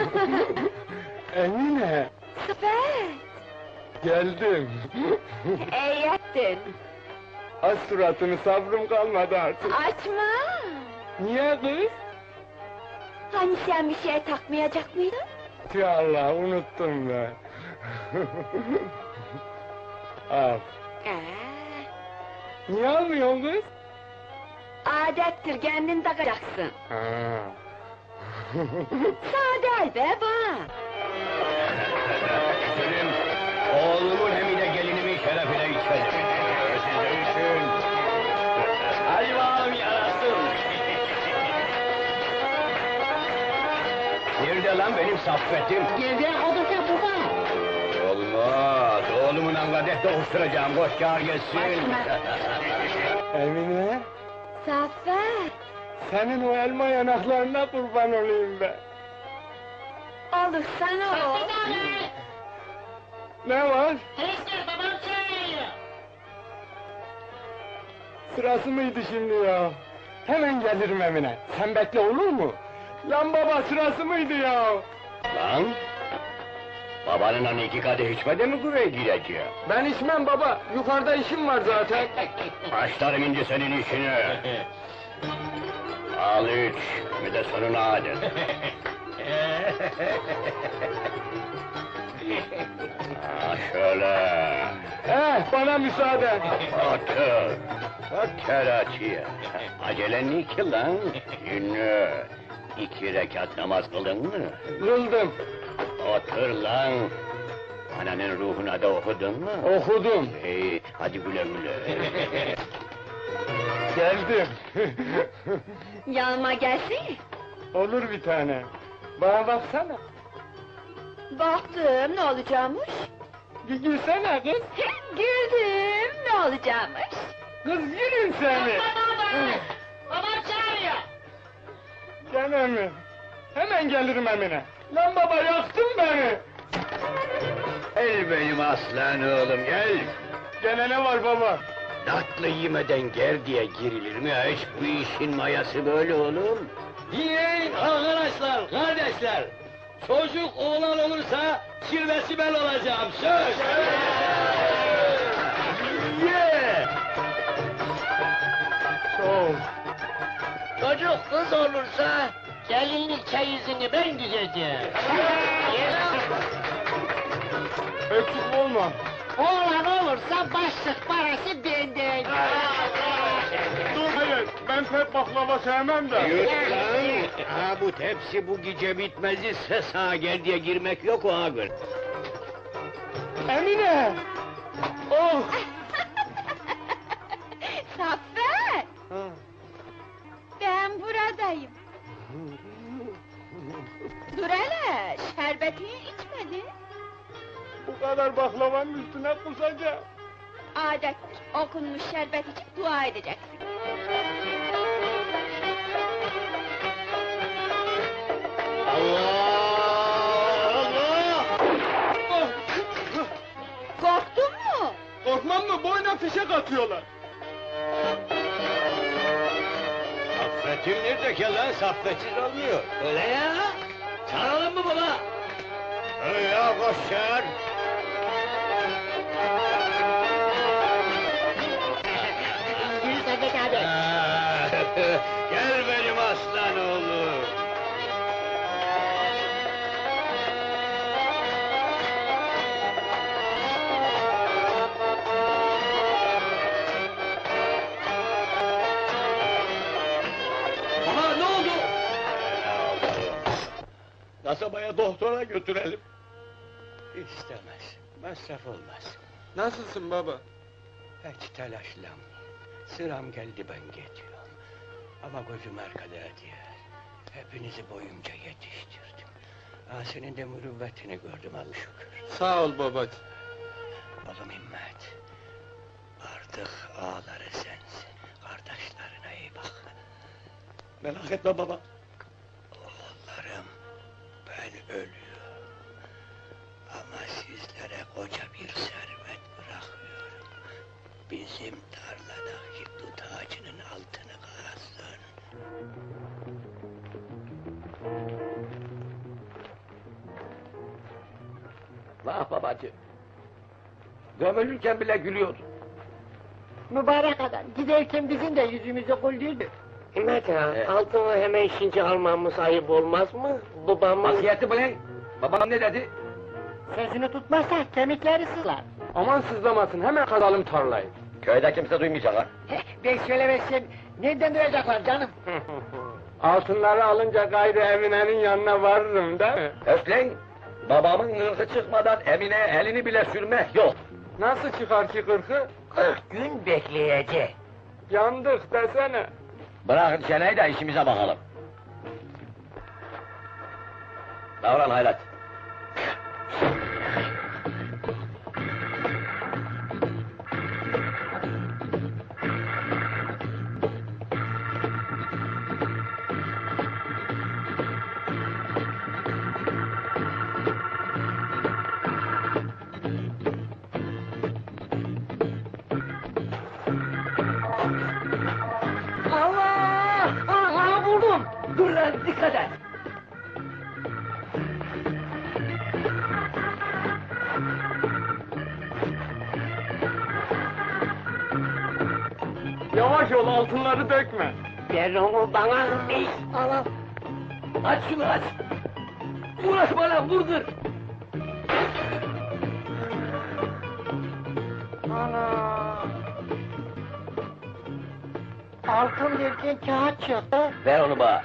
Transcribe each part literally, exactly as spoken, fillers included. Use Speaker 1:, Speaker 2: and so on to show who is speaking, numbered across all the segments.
Speaker 1: Emine,
Speaker 2: Süper!
Speaker 1: geldim.
Speaker 2: İyi ettin!
Speaker 1: Aç suratını, sabrım kalmadı artık.
Speaker 2: Açma!
Speaker 1: Niye kız?
Speaker 2: Hani sen bir şey takmayacak mıydın?
Speaker 1: Ya Allah, unuttum ben. Al.
Speaker 2: Ee,
Speaker 1: Niye almıyorsun kız?
Speaker 2: adettir, kendin takacaksın.
Speaker 1: Ha.
Speaker 2: Sade be bak!
Speaker 3: Selim, oğlumun hem de gelinimin şerefine içelim. Siz de için. Hadi bakalım yarasın. Nerede lan benim saffetim?
Speaker 2: Gel odursa baba!
Speaker 3: Olmaz, oğlumun angadet dokuşturacağım, boş çağır gelsin.
Speaker 1: Emine,
Speaker 2: Zafer!
Speaker 1: senin o elma yanaklarına kurban olayım ben.
Speaker 2: Olur sana o!
Speaker 1: Ne var?
Speaker 4: Enişte babam çağırıyor.
Speaker 1: Sırası mıydı şimdi ya? Hemen gelirim Emine. Sen bekle, olur mu? Lan baba, sırası mıydı ya?
Speaker 3: Lan! Babanın hani iki kadeh içmedi mi buraya gireceğim?
Speaker 1: Ben içmem baba, yukarıda işim var zaten.
Speaker 3: Başlarım ince senin işine. Al iç, bir de sonuna adet. Ha şöyle.
Speaker 1: Eh, bana müsaade.
Speaker 3: Otur. Otur açıya. Acelen ne ki lan? Ünlü. İki rekat namaz kıldın mı?
Speaker 1: Kıldım,
Speaker 3: Otur lan. Ananın ruhuna da okudun mu?
Speaker 1: okudum.
Speaker 3: İyi, hadi güle güle.
Speaker 1: Geldim.
Speaker 2: Yanıma gelsin!
Speaker 1: Olur bir tane. Bana baksana.
Speaker 2: Baktım, ne olacakmış?
Speaker 1: Bir gülsene kız.
Speaker 2: Güldüm, ne olacakmış?
Speaker 1: Kız yürün seni.
Speaker 4: Babam çağırıyor.
Speaker 1: Gene mi? Hemen gelirim Emine. Lan baba, yaktın beni.
Speaker 3: Gel benim aslan oğlum, gel.
Speaker 1: Gene ne var baba?
Speaker 3: Tatlı yemeden ger diye girilir mi hiç? Bu işin mayası böyle oğlum.
Speaker 5: Yiyin arkadaşlar, kardeşler! Çocuk oğlan olursa kirvesi ben olacağım, söz!
Speaker 1: Ye! Çok.
Speaker 4: Çocuk kız olursa gelinlik çeyizini ben düzeceğim.
Speaker 1: Eksik olma.
Speaker 4: Oğlan olursa başlık parası benden.
Speaker 1: Dur, hayır, ben pek baklava sevmem de.
Speaker 3: Yut lan! Ha bu tepsi bu gece bitmez ise sağa gel diye girmek yok o ağır.
Speaker 1: Emine! Oh!
Speaker 2: Zafer! Ben buradayım. Dur hele, şerbetini içmedin.
Speaker 1: Bu kadar baklavanın üstüne kusacağım.
Speaker 2: Adettir, okunmuş şerbet içip dua edeceksin.
Speaker 3: Allah! Allah!
Speaker 2: Korktun mu?
Speaker 1: Korkmam mı? Boyuna fişek atıyorlar.
Speaker 3: Saffetim nerede ki lan? Saffetsiz olmuyor.
Speaker 5: Öyle ya! Çağıralım mı baba?
Speaker 3: Öyle ya, koş çağır.
Speaker 4: Yürü Saffet abi.
Speaker 3: Ha, gel benim aslan oğlum.
Speaker 5: Baba ne oldu? Kasabaya doktora götürelim.
Speaker 3: İstemez, masraf olmaz.
Speaker 1: Nasılsın baba?
Speaker 3: Hiç telaşlanma. Sıram geldi ben geçiyorum. Ama gözüm arkada diyor. Hepinizi boyumca yetiştirdim. Ha, senin de mürüvvetini gördüm abi şükür.
Speaker 1: Sağ ol babacığım.
Speaker 3: Oğlum İmmet. Artık ağaları sensin. Kardeşlerine iyi bak.
Speaker 5: Merak etme baba.
Speaker 3: Oğullarım, ben ölüyorum. Ama sizlere koca bir servet bırakıyorum. Bizim tarladaki dut ağacının altını kazın. Vah babacığım. Gömülürken bile gülüyordun.
Speaker 4: Mübarek adam, giderken bizim de yüzümüzü güldürdü. Himmet ağa,
Speaker 3: Evet.
Speaker 4: altını hemen şimdi almamız ayıp olmaz mı? Babamın
Speaker 3: Vasiyeti bu lan. Babam ne dedi?
Speaker 4: sözünü tutmazsa kemikleri sızlar.
Speaker 1: Aman sızlamasın, hemen kazalım tarlayı.
Speaker 3: Köyde kimse duymayacak ha.
Speaker 4: Ben söylemezsem nereden duyacaklar canım?
Speaker 1: Altınları alınca gayrı Emine'nin yanına varırım değil mi?
Speaker 3: Özlen, babamın ırkı çıkmadan Emine elini bile sürmek yok.
Speaker 1: Nasıl çıkar ki kırkı?
Speaker 4: Kırk gün bekleyecek.
Speaker 1: Yandık desene.
Speaker 3: Bırakın çeneyi de işimize bakalım. Davran hayrat.
Speaker 4: Allah! Aha buldum! Dur lan, dikkat et!
Speaker 1: Yavaş ol, altınları dökme.
Speaker 4: Ver onu bana! Ey, Allah!
Speaker 3: Aç şunu aç. Uğraşma lan vurdur.
Speaker 4: Ana! Altın derken kağıt çıktı.
Speaker 3: Ver onu bana.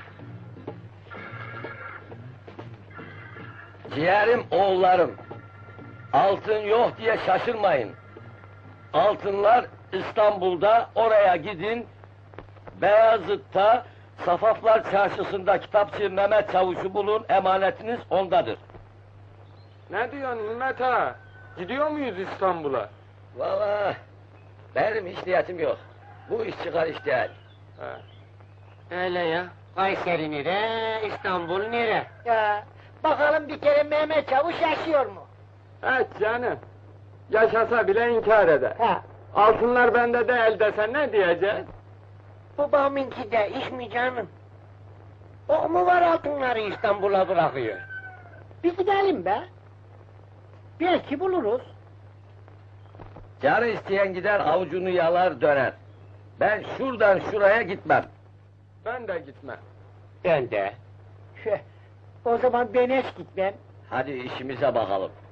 Speaker 3: Ciğerim oğullarım. Altın yok diye şaşırmayın. Altınlar İstanbul'da, oraya gidin. Beyazıt'ta, Safaflar Çarşısı'nda kitapçı Mehmet Çavuş'u bulun, emanetiniz ondadır.
Speaker 1: Ne diyorsun Himmet ağa? Gidiyor muyuz İstanbul'a?
Speaker 3: Vallahi benim hiç niyetim yok. Bu iş çıkar iş değil.
Speaker 1: He.
Speaker 4: Öyle ya. Kayseri nere, İstanbul nere? Ya, bakalım bir kere Mehmet Çavuş yaşıyor mu?
Speaker 1: Evet canım. Yaşasa bile inkar eder.
Speaker 4: Ha,
Speaker 1: Altınlar bende değil desen ne diyeceğiz?
Speaker 4: babamınki de iş mi canım? O mu var altınları İstanbul'a bırakıyor? Bir gidelim be. Belki buluruz.
Speaker 3: Canı isteyen gider avucunu yalar döner. Ben şuradan şuraya gitmem.
Speaker 1: Ben de gitmem.
Speaker 4: Ben de. O zaman ben hiç gitmem.
Speaker 3: Hadi işimize bakalım.